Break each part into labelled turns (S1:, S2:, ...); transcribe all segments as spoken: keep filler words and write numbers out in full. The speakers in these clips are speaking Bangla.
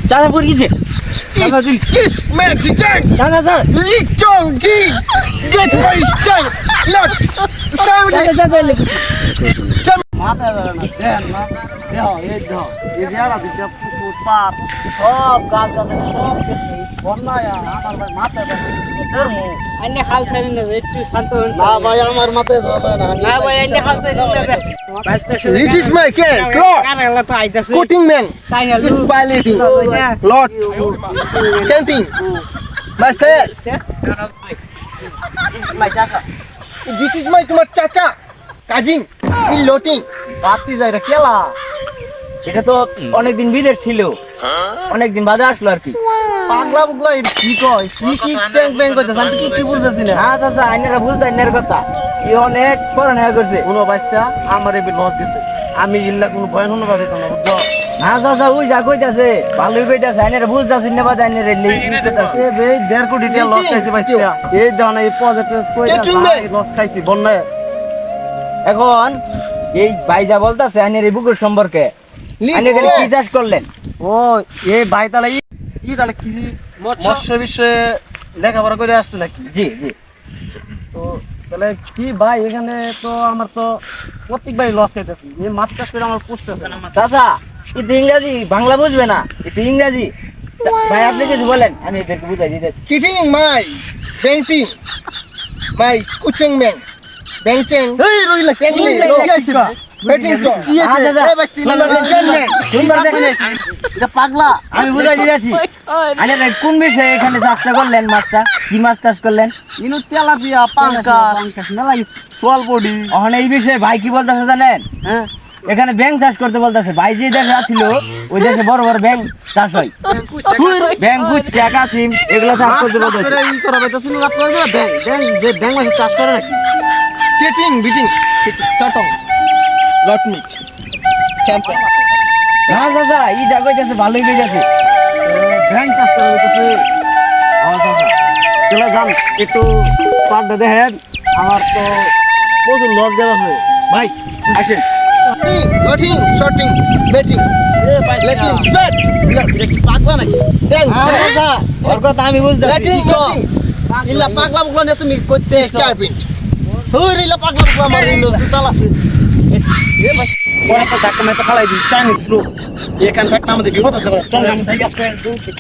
S1: চাচা পড়ে গেছে
S2: Is magic tank.
S1: চাচা sir
S2: Lick Jong Gi. Get my tank. Look. Seven.
S1: চাচা চাচা মাথা ধরে না দেন মাথা দেহ এই দেহ এই জায়গা দিতে পুকুর পাপ সব গাছ গাছ সব কিছু বন্যায় আমার ভাই মাথা ধরে ধর্ম আইনে খাল ছাড়ি না একটু শান্ত হন
S2: না ভাই আমার মাথায় ধরে না
S1: না ভাই আইনে খাল ছাড়ি না
S2: It is my cat. Clock.
S1: কারেলা তো আইতাছে
S2: Cutting man.
S1: সাইনাল
S2: Is piloting. Lot. Canting. Myself.
S1: মাই চাচা
S2: This is my তোমার চাচা. Cousin. In loading.
S1: বাতি যায় এটা কেলা এটা তো অনেকদিন বিদেশ ছিল অনেকদিন বাদে আসলো আর কি
S2: পাগলা পাগলা কি কয় কি কি চ্যাং ব্যাং কইতাছ আমি কিছু বুঝতেছি না
S1: হ্যাঁ চাচা আইনারা বুঝতে আইনার কথা এই অনেক পড়াশোনা করছে
S2: কোনো বাচ্চা আমার এই লস দিছে আমি ইল্লা কোনো ভয় হনো না দেখো না বুঝছো
S1: না চাচা ওই যা কইতাছে ভালোই কইতাছে আইনারা বুঝতাছে না বাদ আইনারা নেই
S2: এ বে দেড় কোটি টাকা লস খাইছে বাচ্চা এই দাও না এই প্রজেক্টে কইতাছে লস খাইছি বন্যায়
S1: এখন এই ভাই যা বলতাছে আইনের এই বুকুর সম্পর্কে আইনে গেলে কি চাষ করলেন
S2: ও এই ভাই তাহলে ই ই তাহলে কি মৎস্য বিষয়ে লেখাপড়া করে আসছে নাকি
S1: জি জি
S2: তো তাহলে কি ভাই এখানে তো আমার তো প্রত্যেক ভাই লস খাইতেছি এই মাছ চাষ করে আমার পুষতেছে না
S1: চাচা এটা ইংরাজি বাংলা বুঝবে না এটা ইংরাজি ভাই আপনি কিছু বলেন আমি এদেরকে বুঝাই দিতেছি
S2: কিটিং মাই বেংটিং মাই কুচিং ম্যান বেংচিং এই রইলা কেংলি কি আইছে বা বেটিং তো কি আছে এ ভাই তিন নম্বর ম্যান
S1: সুন্দর দেখেন
S2: এটা পাগলা
S1: আমি বুঝাই দিতেছি আরে ভাই কোন বিষয়ে এখানে চাষটা করলেন মাছটা কি মাছ চাষ করলেন
S2: ইনু তেলাপিয়া পাঙ্কাস মেলা সোয়াল বডি
S1: ওখানে এই বিষয়ে ভাই কি বলতেছে জানেন
S2: হ্যাঁ
S1: এখানে ব্যাং চাষ করতে বলতেছে ভাই যে দেশে আছিল ওই দেশে বড় বড় ব্যাং চাষ হয় ব্যাং কুচ্চা কাসিম এগুলো চাষ করতে বলতেছে
S2: ই করা বেটা শুনুন আপনারা ব্যাং ব্যাং যে ব্যাং মাছ চাষ করে নাকি টেটিং বিটিং টটং লট মিট চ্যাম্পিয়ন
S1: না চাচা ই যা কইতাছে ভালোই কইতাছে
S2: ব্যাং চাষ করে বেটাছে
S1: ও চাচা
S2: চলে যান একটু পাড়টা দেখেন আমার তো প্রচুর লস গেল আছে
S1: ভাই আসেন
S2: লটিং শর্টিং বেটিং লেটিং স্পেট পাগলা নাকি ব্যাং
S1: চাচা ওর কথা আমি বুঝতেছি
S2: লেটিং ইল্লা পাগলা পাগলা না তুমি কইতে স্কার্পিং হুই ইল্লা পাগলা পাগলা আমার ইল্লা দুতাল আছে
S1: পরে তো ধাক্কা মেরে ফালাই দিই চাইনিজ থ্রু এখান থেকে আমাদের বিপদ হতে পারে চল আমি থেকে আসতে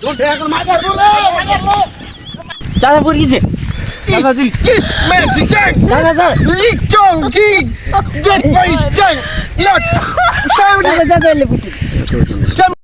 S1: চাচা পড়ে গেছে
S2: Is magic tank.
S1: চাচা sir
S2: Lick Jong Gi. Get my tank. Look. Seven.
S1: চাচা চাচা